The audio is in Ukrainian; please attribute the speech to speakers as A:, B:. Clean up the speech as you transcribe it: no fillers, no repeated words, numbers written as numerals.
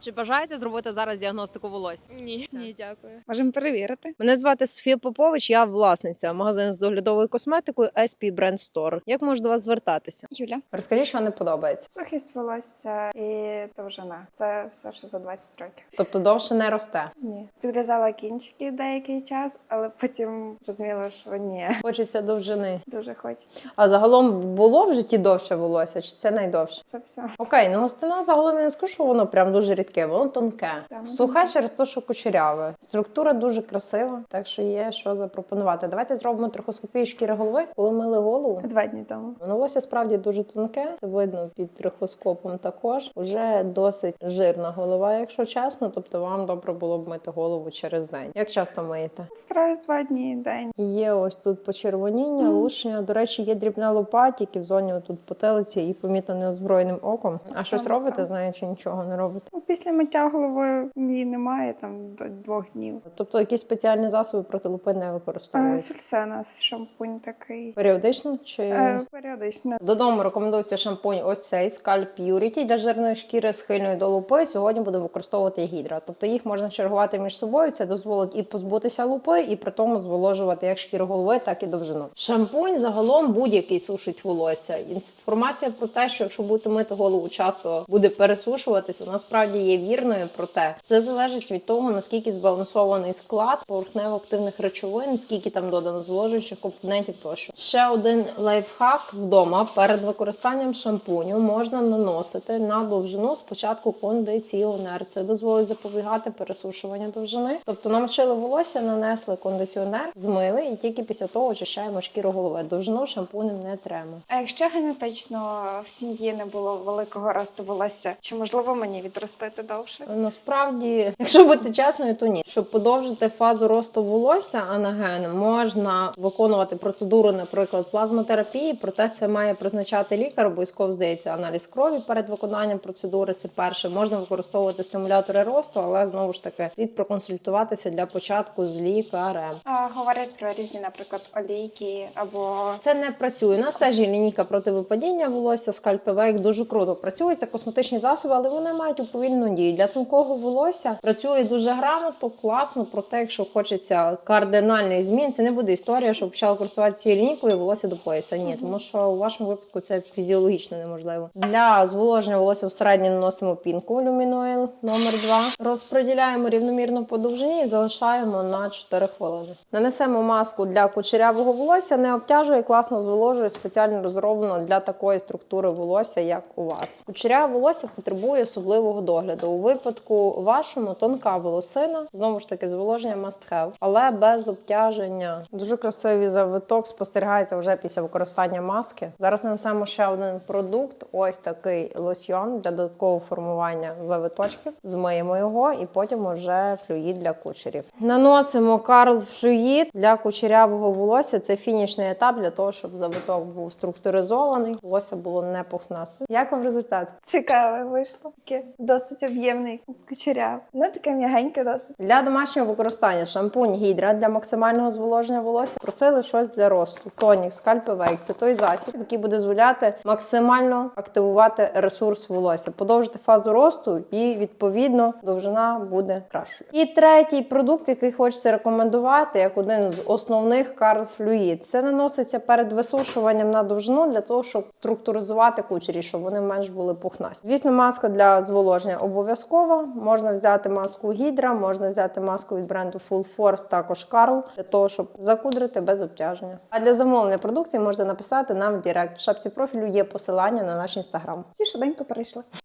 A: Чи бажаєте зробити зараз діагностику волосся?
B: Ні.
C: Ні, дякую.
B: Можемо перевірити.
A: Мене звати Софія Попович, я власниця магазину з доглядовою косметикою SP Brand Store. Як можу до вас звертатися?
B: Юля.
A: Розкажіть, що не подобається.
B: Сухість волосся і довжина. Це все, що за 20 років.
A: Тобто довше не росте.
B: Ні. Підрізала кінчики деякий час, але потім зрозуміла, що ні.
A: Хочеться довжини.
B: Дуже хочеться.
A: А загалом було в житті довше волосся, чи це найдовше?
B: Це все.
A: Окей, ну густина загалом я не скажу, що воно прям дуже рідке, воно тонке.
B: Так,
A: Сухе через те, що кучеряве. Структура дуже красива, так що є що запропонувати. Давайте зробимо трихоскопію шкіри голови. Коли мили голову,
B: 2 дні тому.
A: волосся справді дуже тонке, це видно під трихоскопом також. Уже досить жирна голова, якщо чесно, тобто вам добре було б мити голову через день. Як часто миєте?
B: Стараюсь 2 дні в день.
A: Є ось тут почервоніння, лушення. До речі, є дрібна лопатики в зоні отут потилиці і помітно неозброєним оком. А щось
B: Саме
A: робите,
B: так.
A: знаю, чи нічого не робите?
B: Ну, після миття головою її немає там до 2 днів.
A: Тобто якісь спеціальні засоби проти лупи не використовують?
B: Сульсена, шампунь такий.
A: Періодично чи
B: Періодично.
A: додому рекомендується шампунь ось цей Scalp Purity для жирної шкіри схильної до лупи. Сьогодні буде використовувати гідра. Тобто їх можна чергувати між собою. Це дозволить і позбутися лупи, і при тому зволожувати як шкіру голови, так і довжину. Шампунь загалом будь-який сушить волосся. Інформація про те, що якщо будете мити голову часто, буде пересушуватись, вона справді є вірною. Проте все залежить від того, наскільки збалансований склад поверхнево-активних речовин, скільки там додано зволожуючих компонентів тощо. Ще один лайфхак вдома перед використанням шампуню можна наносити на довжину спочатку кондиціонер. Це дозволить запобігати пересушуванню довжини. Тобто намочили волосся, нанесли кондиціонер, змили і тільки після того очищаємо шкіру голови. Довжину шампунем не треба.
B: А якщо генетично в сім'ї не було великого росту волосся, чи можливо мені відростити довше?
A: Насправді, якщо бути чесною, то ні. Щоб подовжити фазу росту волосся анагеном, можна виконувати процедуру, наприклад, плазмотерапії, проте це має призначати лікар, обов'язково, здається, аналіз крові перед виконанням процедури, це перше. Можна використовувати стимулятори росту, але знову ж таки слід проконсультуватися для початку з лікарем.
B: Говорять про різні, наприклад, олійки або
A: Це не працює. У нас теж є лінійка проти випадіння волосся, скальпевейк, дуже круто працює. Це косметичні засоби, але вони мають уповільну дію. Для тонкого волосся працює дуже грамотно, класно, проте, якщо хочеться кардинальний змін, це не буде історія, що почала користуватися цією лінійкою і волосся до пояса. Ні, тому що у вашому випадку це фізіологічно неможливо. Для зволоження волосся всередині наносимо пінку Luminoil номер 2. Розподіляємо рівномірно по довжині і залишаємо на 4 хвилини. Нанесемо маску для кучерявого волосся, не обтяжує, класно зволожує, спеціально розроблено для такої структури волосся, як у вас. Кучеряве волосся потребує особливого догляду. У випадку вашому тонка волосина, знову ж таки, зволоження must have, але без обтяження. Дуже красивий завиток спостерігається вже після використання маски. Зараз нанесемо ще один продукт, ось такий лосьйон для додаткового формування завиточків. Змиємо його і потім уже флюїд для кучерів. Наносимо Карл флюїд для кучерявого волосся. Це фінішний етап для того, щоб завиток був структуризований, волосся було не пухнасте. Як вам результат?
B: цікаве вийшло. Таке досить об'ємний кучеряв. Ну таке м'ягеньке досить.
A: Для домашнього використання шампунь гідра для максимального зволоження волосся. Просили щось для росту. Тонік, скальпевейк – це той засіб, який буде дозволяти максимально активувати ресурс волосся, подовжити фазу росту і, відповідно, довжина буде кращою. І третій продукт, який хочеться рекомендувати, як один з основних Карл Флюїд. Це наноситься перед висушуванням на довжину для того, щоб структуризувати кучері, щоб вони менш були пухнасті. Звісно, маска для зволоження обов'язкова. Можна взяти маску гідра, можна взяти маску від бренду Full Force, також Карл, для того, щоб закудрити без обтяження. А для замовлення продукції можете написати нам в Директ. В шапці профілю є посилання на наш інстаграм.
B: Всі швиденько перейшли.